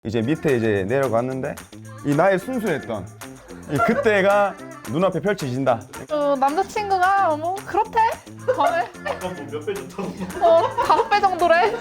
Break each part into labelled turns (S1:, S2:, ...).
S1: 이제 밑에 이제 내려갔는데 이 나의 순수했던 이 그때가 눈앞에 펼쳐진다.
S2: 남자친구가 뭐 그렇대? 밤에
S3: 아까 뭐 몇 배 좋다고?
S2: 5배 정도래?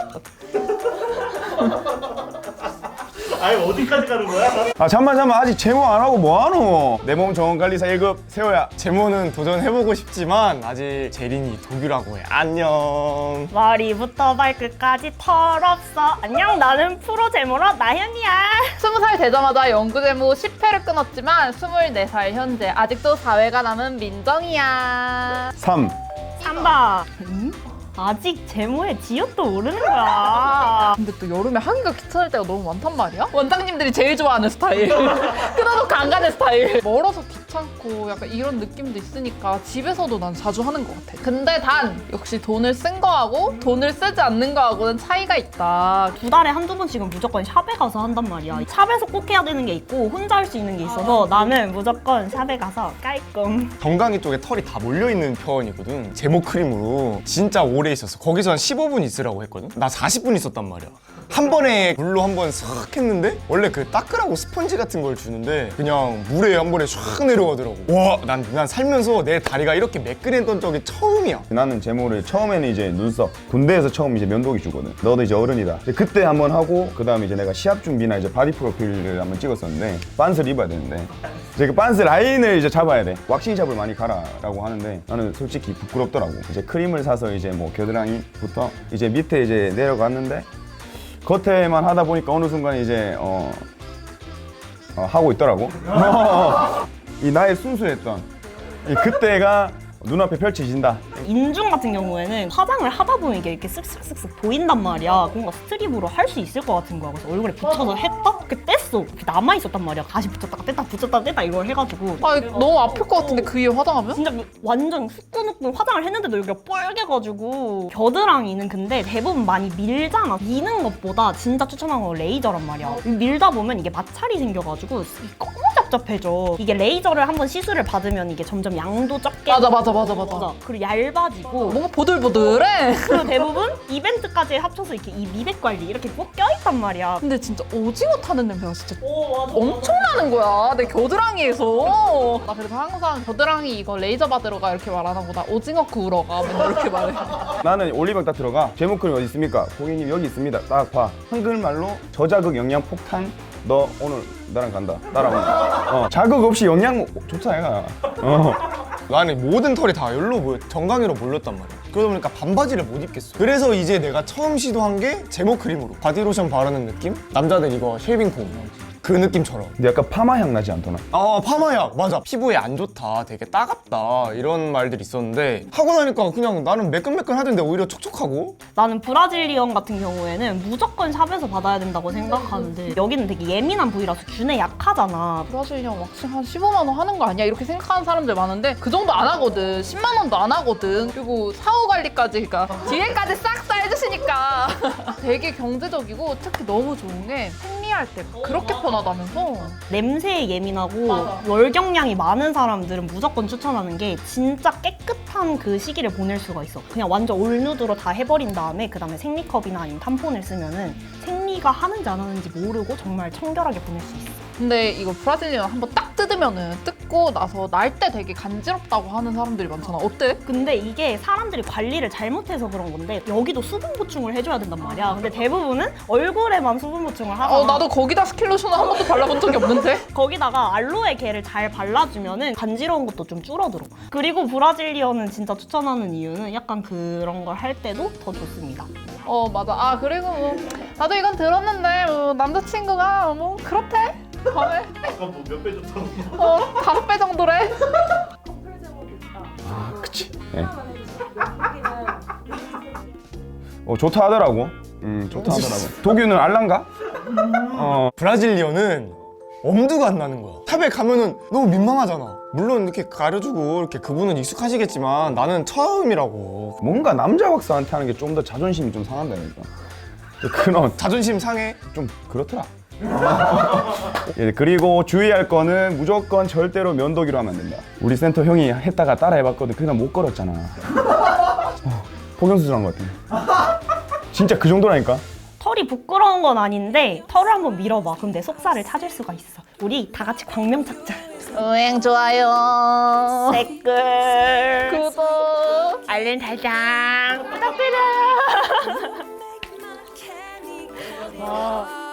S3: 아니 어디까지 가는 거야?
S1: 아 잠만 아직 제모 안 하고 뭐하노? 내 몸 정원관리사 1급 세호야.
S4: 제모는 도전해보고 싶지만 아직 재린이 도규라고 해. 안녕.
S5: 머리부터 발끝까지 털없어. 안녕, 나는 프로 제모러 나현이야.
S2: 20살 되자마자 연구제모 10회를 끊었지만 24살 현재 아직도 사회가 남은 민정이야.
S1: 3.
S5: 3번. 아직 제모에 지읒도 모르는 거야.
S2: 근데 또 여름에 하기가 귀찮을 때가 너무 많단 말이야? 원장님들이 제일 좋아하는 스타일. 끊어놓고 안 가는 스타일. 멀어서 귀찮고 약간 이런 느낌도 있으니까 집에서도 난 자주 하는 것 같아. 근데 단 역시 돈을 쓴 거하고 돈을 쓰지 않는 거하고는 차이가 있다.
S5: 2달에 한두 번씩은 무조건 샵에 가서 한단 말이야. 샵에서 꼭 해야 되는 게 있고 혼자 할 수 있는 게 있어서 나는 무조건 샵에 가서 깔끔.
S4: 정강이 쪽에 털이 다 몰려있는 편이거든. 제모 크림으로 진짜 오래 있었어. 거기서 한 15분 있으라고 했거든. 나 40분 있었단 말이야. 한 번에 물로 한 번 싹 했는데 원래 그 닦으라고 스펀지 같은 걸 주는데 그냥 물에 한 번에 쫙 내려가더라고. 와, 난 살면서 내 다리가 이렇게 매끈했던 적이 처음이야.
S1: 나는 제모를 처음에는 이제 눈썹 군대에서 처음 이제 면도기 주거든. 너도 이제 어른이다. 이제 그때 한번 하고 그 다음에 이제 내가 시합 준비나 이제 바디 프로필을 한번 찍었었는데 빤스를 입어야 되는데 이제 그 빤스 라인을 이제 잡아야 돼. 왁싱샵을 많이 가라라고 하는데 나는 솔직히 부끄럽더라고. 이제 크림을 사서 이제 뭐 겨드랑이부터 이제 밑에 이제 내려갔는데 겉에만 하다 보니까 어느 순간 이제 하고 있더라고. 이 나의 순수했던 이 그때가 눈앞에 펼쳐진다.
S5: 인중 같은 경우에는 화장을 하다 보면 이게 이렇게 쓱쓱쓱쓱 보인단 말이야. 뭔가 스트립으로 할 수 있을 것 같은 거야. 그래서 얼굴에 붙여서 했다? 이렇게 뗐어. 이렇게 남아있었단 말이야. 다시 붙였다가 뗐다 붙였다가 뗐다 이걸 해가지고.
S2: 아 너무 아플 것 같은데 그 위에 화장하면?
S5: 진짜 완전 후끈후끈 화장을 했는데도 여기가 뻘개가지고. 겨드랑이는 근데 대부분 많이 밀잖아. 미는 것보다 진짜 추천하는 건 레이저란 말이야. 밀다 보면 이게 마찰이 생겨가지고 너무 답답해져. 이게 레이저를 한번 시술을 받으면 이게 점점 양도 적게
S2: 맞아.
S5: 그리고 얇아지고
S2: 뭔가 보들보들해.
S5: 그리고 대부분 이벤트까지 합쳐서 이렇게 이 미백 관리 이렇게 꼭 껴있단 말이야.
S2: 근데 진짜 오징어 타는 냄새가 진짜
S5: 맞아.
S2: 엄청 나는 거야 내 겨드랑이에서. 나 그래서 항상 겨드랑이 이거 레이저 받으러 가 이렇게 말하는 거다. 오징어 구우러 가 맨날 이렇게 말해.
S1: 나는 올리브영 딱 들어가. 제모 크림 어디 있습니까? 고객님 여기 있습니다. 딱 봐. 한글말로 저자극 영양 폭탄. 너 오늘 나랑 간다. 따라온다. 자극 없이 영양 좋다 얘가.
S4: 나는 모든 털이 다 여기로 모여, 정강이로 몰렸단 말이야. 그러다 보니까 반바지를 못 입겠어. 그래서 이제 내가 처음 시도한 게 제모 크림으로 바디로션 바르는 느낌? 남자들 이거 쉐이빙 폼 그 느낌처럼.
S1: 근데 약간 파마향 나지 않더나?
S4: 아, 파마약 맞아. 피부에 안 좋다, 되게 따갑다 이런 말들이 있었는데 하고 나니까 그냥 나는 매끈매끈하던데 오히려 촉촉하고.
S5: 나는 브라질리언 같은 경우에는 무조건 샵에서 받아야 된다고 생각하는데 여기는 되게 예민한 부위라서 균에 약하잖아.
S2: 브라질리언 왁싱 한 15만 원 하는 거 아니야? 이렇게 생각하는 사람들 많은데 그 정도 안 하거든. 10만 원도 안 하거든. 그리고 사후 관리까지 그러니까 뒤에까지 싹 다 해주시니까 되게 경제적이고 특히 너무 좋은 게 생리할 때 그렇게 편하다면서.
S5: 냄새에 예민하고 월경량이 많은 사람들은 무조건 추천하는 게 진짜 깨끗한 그 시기를 보낼 수가 있어. 그냥 완전 올누드로 다 해버린 다음에 그 다음에 생리컵이나 아니면 탐폰을 쓰면은 생리가 하는지 안 하는지 모르고 정말 청결하게 보낼 수 있어.
S2: 근데 이거 브라질리언 한번 딱 뜯으면은 뜯고 나서 날 때 되게 간지럽다고 하는 사람들이 많잖아. 어때?
S5: 근데 이게 사람들이 관리를 잘못해서 그런 건데 여기도 수분 보충을 해줘야 된단 말이야. 근데 대부분은 얼굴에만 수분 보충을 하잖아.
S2: 나도 거기다 스킨로션을 한 번도 발라본 적이 없는데?
S5: 거기다가 알로에 겔을 잘 발라주면은 간지러운 것도 좀 줄어들어. 그리고 브라질리언은 진짜 추천하는 이유는 약간 그런 걸 할 때도 더 좋습니다.
S2: 맞아. 그리고 뭐 나도 이건 들었는데 뭐 남자친구가 뭐 그렇대? 밤에
S3: 아까 뭐 몇 배 좋다고?
S2: 5배 정도래?
S1: 아, 그치. 네. 좋다 하더라고. 좋다 하더라고. 도규는 알란가?
S4: 브라질리언은 엄두가 안 나는 거야. 탑에 가면은 너무 민망하잖아. 물론 이렇게 가려주고 이렇게 그분은 익숙하시겠지만 나는 처음이라고.
S1: 뭔가 남자 왁스한테 하는 게 좀 더 자존심이 좀 상한다니까. 그런
S4: 자존심 상해.
S1: 좀 그렇더라. 예, 그리고 주의할 거는 무조건 절대로 면도기로 하면 안 된다. 우리 센터 형이 했다가 따라 해봤거든. 그냥 못 걸었잖아. 폭염수술한 것 같아. 진짜 그 정도라니까.
S5: 털이 털이 부끄러운 건 아닌데 털을 한번 밀어봐. 그럼 내 속살을 찾을 수가 있어. 우리 다 같이 광명 찾자.
S2: 응, 좋아요.
S5: 댓글,
S2: 구독.
S5: 알림 설정 부탁드려.
S2: 와.